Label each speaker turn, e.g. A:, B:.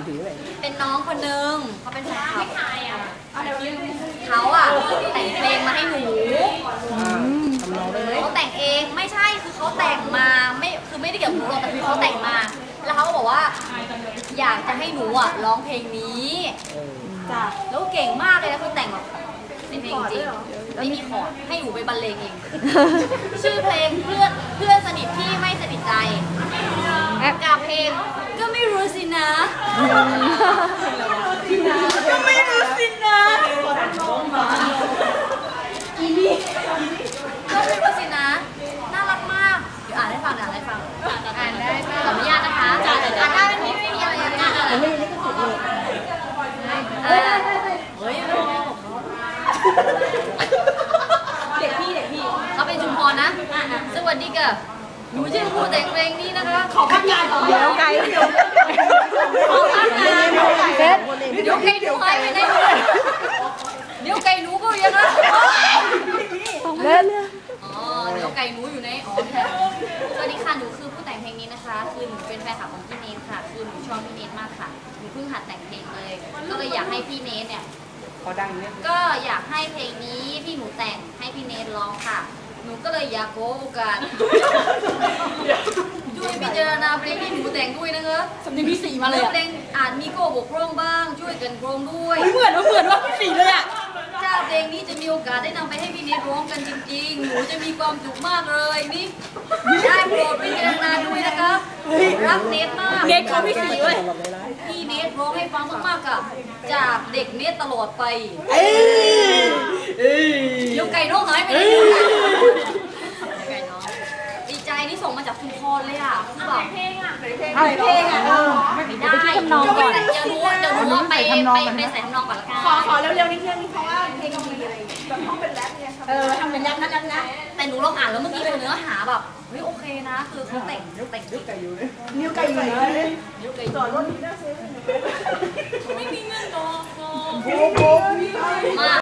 A: เป็นน้องคนนึงเขาเป็นแฟนคลับเขาอะแต่งเพลงมาให้หนูเขาแต่งเองไม่ใช่คือเขาแต่งมาไม่ได้เกี่ยวกับหนูหรอกแต่คือเขาแต่งมาแล้วเขาก็บอกว่าอยากจะให้หนูอะร้องเพลงนี้จ้ะแล้วเก่งมากเลยนะคือแต่งแบบเป็นเพลงจริงไม่มีคอร์ดให้หนูไปบรรเลงเองชื่อเพลงเพื่อนสนิทที่ไม่สนิทใจกับเพลงก็ไม่รู้สินะก็ไม่รู้สินะอีนี่ก็ไม่รู้สินะน่ารักมากเดี๋ยวอ่านให้ฟังอ่านได้ขออนุญาตนะคะอ่านได้ไม่มีอะไรยากอะไรไม่ได้ก็สุดเลยเฮ้ยเด็กพี่เขาเป็นชุมพรนะสวัสดีค่ะหนูชื่อผู้แต่งเพลงนี้นะคะขอพักงานก่อนเดี๋ยวไก่ขอพักงานเดี๋ยวไก่หนูหายไปไหนเดี๋ยวไก่หนูก็ยังนะอ๋อเดี๋ยวไก่หนูอยู่ในสวัสดีค่ะหนูคือผู้แต่งเพลงนี้นะคะคือหนูเป็นแฟนคลับของพี่เนทค่ะคือหนูชอบพี่เนทมากค่ะหนูเพิ่งหัดแต่งเพลงเลยก็เลยอยากให้พี่เนทเนี่ยก็อยากให้เพลงนี้ที่หนูแต่งให้พี่เนทร้องค่ะหนูก็เลยอยากขอโอกาสช่วยพิจารณาเพลงที่หนูแต่งด้วยนะคะสำเนียงพี่สีมาเลยเพลงอาจมีข้อบกพร่องบ้างช่วยกันโครงด้วยเหมือนว่าพี่สีเลยอ่ะถ้าเพลงนี้จะมีโอกาสได้นำไปให้พี่เนทร้องกันจริงๆหนูจะมีความสุขมากเลยนี่ได้โปรดพิจารณาด้วยนะคะรักเนทมากเนทเขาพี่สีเลยพี่เนทร้องให้ฟังมากๆกับจากเด็กเนทตลอดไปเดี๋ยวไก่น้องหายไปไหนไก่น้องดีใจนี่ส่งมาจากชุมพรเลยอ่ะคือแบบเพลงอ่ะไม่ได้เดี๋ยวรู้ว่าไปใส่ทำนองก่อนละกันขอเร็วๆนิดนึงเพราะว่าเพลงมีอะไรแบบห้องเป็นแรปเนี่ยทำเป็นแรปนะแต่หนูลองอ่านแล้วเมื่อกี้เนื้อหาแบบเฮ้ยโอเคนะคือเขาแต่งนิ้วไก่อยู่เลยนิ้วไก่ต่อรถนี้น่าซื้อไม่มีเงินดอกมา